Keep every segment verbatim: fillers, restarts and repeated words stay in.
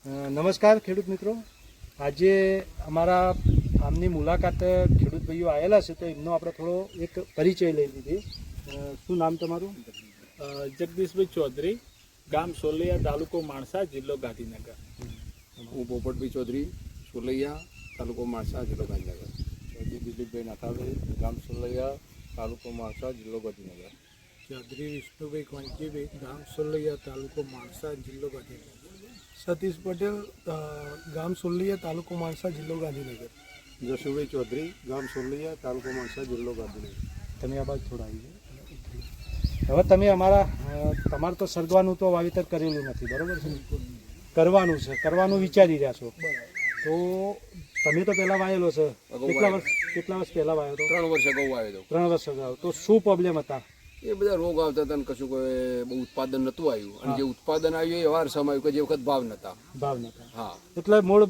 નમસ્કાર ખેડૂત મિત્રો, આજે અમારા ફાર્મની મુલાકાત ખેડૂત ભાઈઓ આવેલા છે, તો એમનો આપણે થોડો એક પરિચય લઈ લીધી. શું નામ તમારું? જગદીશભાઈ ચૌધરી, ગામ સોલૈયા, તાલુકો માણસા, જિલ્લો ગાંધીનગર. હું પોપટભાઈ ચૌધરી, સોલૈયા, તાલુકો માણસા, જિલ્લો ગાંધીનગર. દિલીપભાઈ નાથાભાઈ, ગામ સોલૈયા, તાલુકો માણસા, જિલ્લો ગાંધીનગર. ચૌધરી વિષ્ણુભાઈ કોંચીભાઈ, ગામ સોલૈયા, તાલુકો માણસા, જિલ્લો ગાંધીનગર. સતીશ પટેલ, ગામ સોલૈયા, તાલુકો માણસા, જિલ્લો ગાંધીનગર. જશુભાઈ ચૌધરી, ગામ સોલૈયા, તાલુકો માણસા, જિલ્લો ગાંધીનગર. તમે આ બાજુ થોડા આવી જાઓ. હવે તમે અમારા તમારે તો સરગવાનું તો વાવેતર કરેલું નથી, બરાબર છે? કરવાનું છે, કરવાનું વિચારી રહ્યા છો. તો તમે તો પહેલાં વાયેલો છે, કેટલા વર્ષ કેટલા વર્ષ પહેલાં વાયો હતો? ત્રણ વર્ષ અગાઉ આવ્યો હતો. ત્રણ વર્ષ અગાઉ. તો શું પ્રોબ્લેમ હતા? એ બધા રોગ આવતા હતા અને કશું કોઈ બહુ ઉત્પાદન નહોતું આવ્યું, અને જે ઉત્પાદન આવ્યું એ વાર સમય આવ્યું કે જે વખત ભાવ નતા. ભાવ નતા. હા, એટલે મૂળ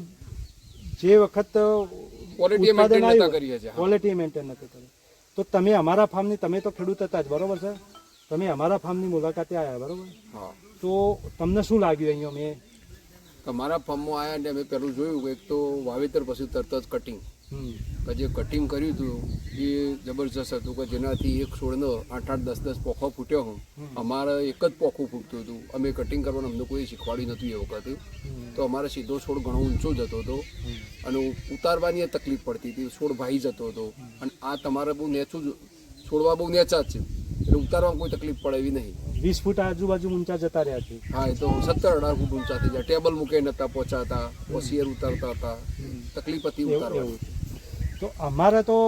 જે વખત ક્વોલિટી મેન્ટેન નતા કરીએ છીએ. ક્વોલિટી મેન્ટેન નથી કરી. તો તમે અમારા ફાર્મની, તમે તો ખેડૂત હતા જ, બરોબર છે? તમે અમારા ફાર્મની મુલાકાતે આવ્યા, બરોબર? હા. તો તમને શું લાગ્યું અહીંયા? મેં તમારા ફાર્મમાં આવ્યા ને અમે પહેલું જોયું કે એક તો વાવેતર પછી તરત જ કટિંગ, હમ કે જે કટિંગ કર્યું હતું એ જબરજસ્ત હતું, કે જેનાથી એક છોડનો આઠ આઠ દસ દસ પોખો ફૂટ્યો હું. અમારે એક જ પોખું ફૂટતું હતું. અમે કટિંગ કરવાનું અમને કોઈ શીખવાડ્યું નહોતું એ વખતે. તો અમારે સીધો છોડ ઘણો ઊંચો જતો હતો અને ઉતારવાની તકલીફ પડતી હતી, છોડ ભાઈ જતો હતો. અને આ તમારે બહુ નેચું છોડવા બહુ નેચા જ છે, એટલે ઉતારવામાં કોઈ તકલીફ પડે એવી નહીં. વીસ ફૂટ આજુબાજુ ઊંચા જતા રહ્યા છે. હા, એ તો સત્તર અઢાર ફૂટ ઊંચા થઈ જાય. ટેબલ મૂકે નતા પહોંચાતા, ઓસિયર ઉતારતા હતા, તકલીફ હતી ઉતારવાની. તો અમારે તો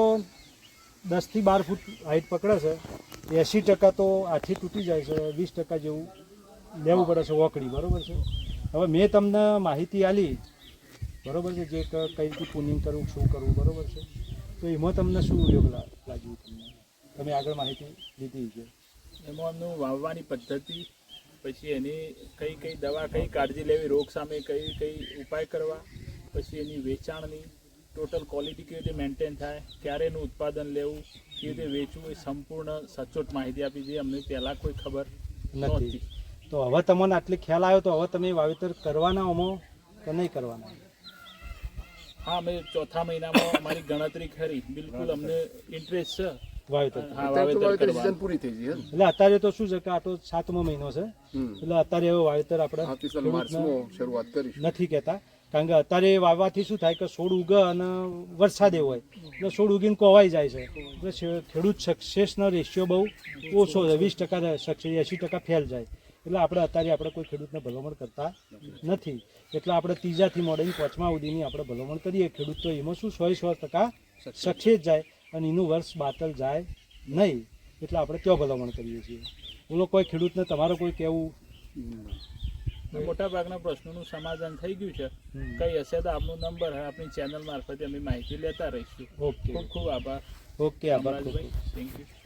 દસથી બાર ફૂટ હાઈટ પકડે છે, એંસી ટકા તો આથી તૂટી જાય છે, વીસ ટકા જેવું લેવું પડે છે વોકડી, બરાબર છે? હવે મેં તમને માહિતી આપી, બરાબર છે, જે કઈ રીતે પુનિંગ કરવું, શું કરવું, બરાબર છે? તો એમાં તમને શું યોગ લાગ્યું? તમને તમે આગળ માહિતી લીધી છે એમાં એમનું વાવવાની પદ્ધતિ, પછી એની કઈ કઈ દવા, કઈ કાળજી લેવી, રોગ સામે કઈ કઈ ઉપાય કરવા, પછી એની વેચાણની ટોટલ ક્વોલિટી કેવી રીતે મેન્ટેન થાય, ક્યારે એનું ઉત્પાદન લેવું, કેવી રીતે વેચવું, એ સંપૂર્ણ સચોટ માહિતી આપી છે. અમને પહેલાં કોઈ ખબર નહોતી. તો હવે તમને આટલી ખ્યાલ આવ્યો, તો હવે તમે વાવેતર કરવાના હોમો કે નહીં કરવાના? હા, અમે ચોથા મહિનામાં અમારી ગણતરી ખરી, બિલકુલ અમને ઇન્ટરેસ્ટ છે વાવેતર. હા, વાવેતર કરવા. સીઝન પૂરી થઈ ગઈ. એટલે અત્યારે તો શું છે કે આ તો સાતમો મહિનો છે, એટલે અત્યારે હવે વાવેતર આપણે માર્ચમાં શરૂઆત કરીશું. નથી કહેતા, કારણ કે અત્યારે વાવવાથી શું થાય કે છોડ ઉગે અને વરસાદ એવો હોય એટલે છોડ ઉગીને કોવાઈ જાય છે. એટલે ખેડૂત સક્સેસનો રેશિયો બહુ ઓછો છે, વીસ ટકા સક્સેસ, એંસી ટકા ફેલ જાય. એટલે આપણે અત્યારે આપણે કોઈ ખેડૂતને ભલામણ કરતા નથી. એટલે આપણે ત્રીજાથી મોડીને પાંચમા સુધીની આપણે ભલામણ કરીએ. ખેડૂત તો એમાં શું સો સો ટકા સક્સેસ જાય અને એનું વર્ષ બાતલ જાય નહીં. એટલે આપણે ક્યાં ભલામણ કરીએ છીએ? બોલો, કોઈ ખેડૂતને તમારે કોઈ કહેવું? મોટા ભાગના પ્રશ્નોનું સમાધાન થઈ ગયું છે. કઈ હશે તો આપનો નંબર આપણી ચેનલ મારફતે અમે માહિતી લેતા રહીશું. ઓકે, ખૂબ ખૂબ આભાર. ઓકે, આભાર. Thank you.